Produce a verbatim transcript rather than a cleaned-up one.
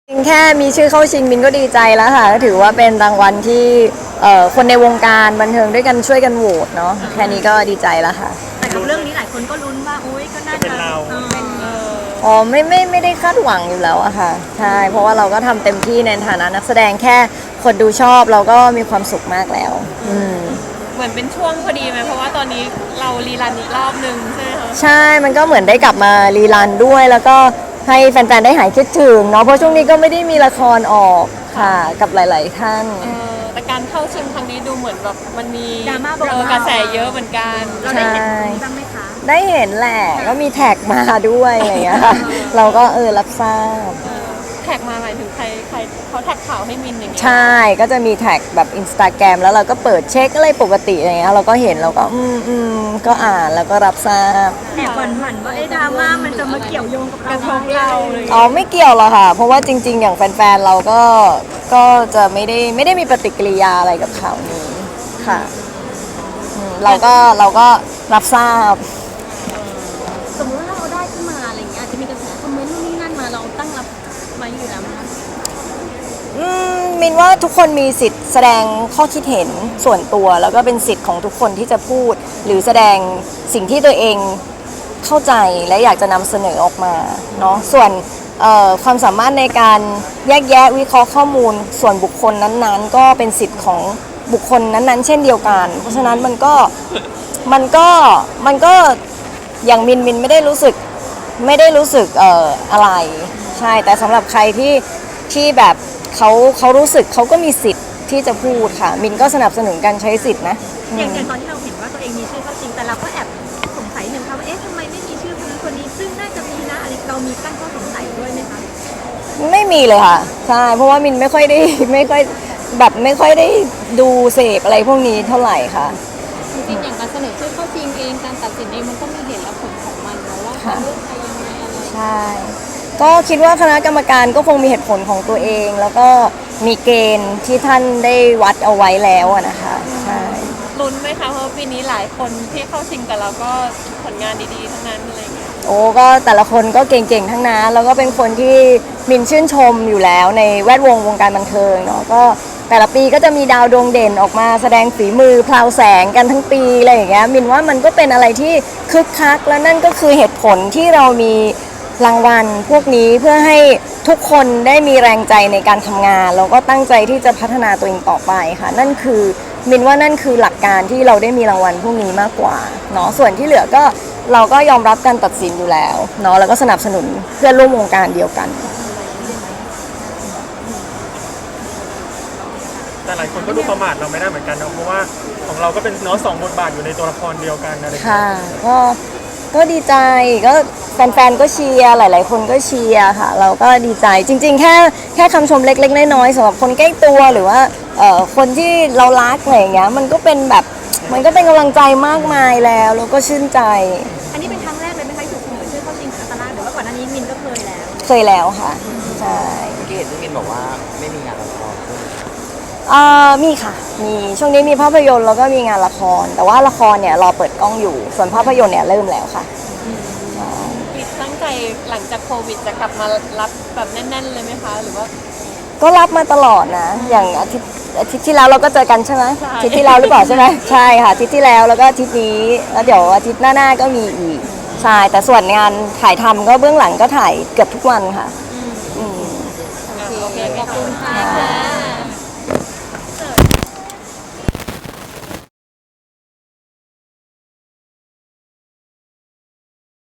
จริงแค่มีชื่อเข้าชิงมินก็ดีใจแล้วค่ะก็ถือว่าเป็นรางวัลที่คนในวงการบันเทิงด้วยกันช่วยกันโหวตเนาะแค่นี้ก็ดีใจแล้วค่ะแต่กับเรื่องนี้หลายคนก็ลุ้นว่าอุ้ยก็น่าจะเป็นเราอ๋อไม่ไม่ไม่ได้คาดหวังอยู่แล้วอะค่ะใช่เพราะว่าเราก็ทำเต็มที่ในฐานะนักแสดงแค่คนดูชอบเราก็มีความสุขมากแล้วอืมเหมือนเป็นช่วงพอดีไหมเพราะว่าตอนนี้เรารีรันอีกรอบนึงใช่ไหมคะใช่มันก็เหมือนได้กลับมารีรันด้วยแล้วก็ให้แฟนๆได้หายคิดถึงเนาะเพราะช่วงนี้ก็ไม่ได้มีละครออกค่ะกับหลายๆท่านแต่การเข้าชิงครั้งนี้ดูเหมือนแบบมันมีดราม่าเออกระแสเยอะเหมือนกันเราได้เห็นบ้างไหมคะได้เห็นแหละก็มีแท็กมาด้วยอะไรอย่างเงี้ยค่ะเราก็เออรับทราบแท็กมาหมายถึงใครใครเขาแท็กข่าวให้มินอย่างเงี้ยใช่ก็จะมีแท็กแบบอินสตาแกรมแล้วเราก็เปิดเช็คอะไรปกติอะไรเงี้ยเราก็เห็นเราก็อืมอืมก็อ่านแล้วก็รับทราบแอบหวั่นหวั่นว่าไอ้ดราม่ามันจะมาเกี่ยวโยงกับกระทบเราเลยอ๋อไม่เกี่ยวหรอกค่ะเพราะว่าจริงๆอย่างแฟนๆเราก็ก็จะไม่ได้ไม่ได้มีปฏิกิริยาอะไรกับข่าวนี้ค่ะเราก็เราก็รับทราบสมมติว่าเราได้ขึ้นมาอะไรเงี้ยอาจจะมีกระแสคอมเมนต์นู่นนี่นั่นมาเราตั้งรับมาอยู่แล้วนะอืมมินว่าทุกคนมีสิทธิ์แสดงข้อคิดเห็นส่วนตัวแล้วก็เป็นสิทธิ์ของทุกคนที่จะพูดหรือแสดงสิ่งที่ตัวเองเข้าใจและอยากจะนำเสนอออกมาเนาะส่วนความสามารถในการแยกแยะวิเคราะห์ข้อมูลส่วนบุคคลนั้นๆก็เป็นสิทธิ์ของบุคคลนั้นๆเช่นเดียวกันเพราะฉะนั้นมันก็มันก็มันก็อย่างมินมินไม่ได้รู้สึกไม่ได้รู้สึกเอ่ออะไรใช่แต่สำหรับใครที่ที่แบบเขาเขารู้สึกเขาก็มีสิทธิ์ที่จะพูดค่ะมินก็สนับสนุนการใช้สิทธินะอย่างอย่างตอนที่เราเห็นว่าตัวเองมีชื่อเข้าชิงแต่เราก็แอบสงสัยหนึ่งค่ะว่าเอ๊ะทำไมไม่มีชื่อคนนั้นคนนี้ซึ่งน่าจะมีนะอะไรเรามีตั้งข้อสงสัยด้วยไหมคะไม่มีเลยค่ะใช่เพราะว่ามินไม่ค่อยได้ไม่ค่อยแบบไม่ค่อยได้ดูเสพอะไรพวกนี้เท่าไหร่ค่ะจริงๆอย่างการเสนอชื่อเข้าชิงเองการตัดสินเองมันก็มีเหตุและผลของมันนะว่าเลือกใครยังไงอะไรใช่ก็คิดว่าคณะกรรมการก็คงมีเหตุผลของตัวเองแล้วก็มีเกณฑ์ที่ท่านได้วัดเอาไว้แล้วนะคะใช่ลุ้นไหมคะเพราะปีนี้หลายคนที่เข้าชิงแต่เราก็ผลงานดีๆทั้งนั้นอะไรเงี้ยโอ้ก็แต่ละคนก็เก่งๆทั้งนั้นแล้วก็เป็นคนที่มินชื่นชมอยู่แล้วในแวดวงวงการบันเทิงเนาะก็แต่ละปีก็จะมีดาวดวงเด่นออกมาแสดงฝีมือพลาวแสงกันทั้งปีอะไรอย่างเงี้ยมินว่ามันก็เป็นอะไรที่คึกคักและนั่นก็คือเหตุผลที่เรามีรางวัลพวกนี้เพื่อให้ทุกคนได้มีแรงใจในการทำงานแล้วก็ตั้งใจที่จะพัฒนาตัวเองต่อไปค่ะนั่นคือมินว่านั่นคือหลักการที่เราได้มีรางวัลพวกนี้มากกว่าเนาะส่วนที่เหลือก็เราก็ยอมรับการตัดสินอยู่แล้วเนาะแล้วก็สนับสนุนเพื่อนร่วมวงการเดียวกันแต่หลายคนก็ดูประมาทเราไม่ได้เหมือนกันนะเพราะว่าของเราก็เป็นเนาะสองบทบาทอยู่ในตัวละครเดียวกันอะไรค่ะก็ก็ดีใจก็แฟนๆก็เชียร์หลายๆคนก็เชียร์ค่ะเราก็ดีใจจริงๆแค่แค่คำชมเล็กๆน้อยๆสำหรับคนใกล้ตัวหรือว่าคนที่เรารักอะไรอย่างเงี้ยมันก็เป็นแบบมันก็เป็นกำลังใจมากมายแล้วแล้วก็ชื่นใจอันนี้เป็นครั้งแรกเลยไหมคะถูกเสนอชื่อเข้าชิงคณะกรรมการหรือว่าก่อนหน้านี้มินก็เคยแล้วเคยแล้วค่ะใช่เมื่อกี้เห็นที่มินบอกว่าไม่มีงานละครอ่ามีค่ะมีช่วงนี้มีภาพยนตร์แล้วก็มีงานละครแต่ว่าละครเนี่ยรอเปิดกล้องอยู่ส่วนภาพยนตร์เนี่ยเริ่มแล้วค่ะตั้งใจหลังจากโควิดจะกลับมารับแบบแน่นๆเลยไหมคะหรือว่าก็รับมาตลอดนะอย่างอาทิตย์อาทิตย์ที่แล้วเราก็เจอกันใช่ไหมอาทิตย์ที่แล้วหรือเปล่าใช่ไหมใช่ค่ะอาทิตย์ที่แล้วแล้วก็อาทิตย์นี้แล้วเดี๋ยวอาทิตย์หน้าๆก็มีอีกใช่แต่ส่วนงานถ่ายทำก็เบื้องหลังก็ถ่ายเกือบทุกวันค่ะโอเคขอบคุณค่ะ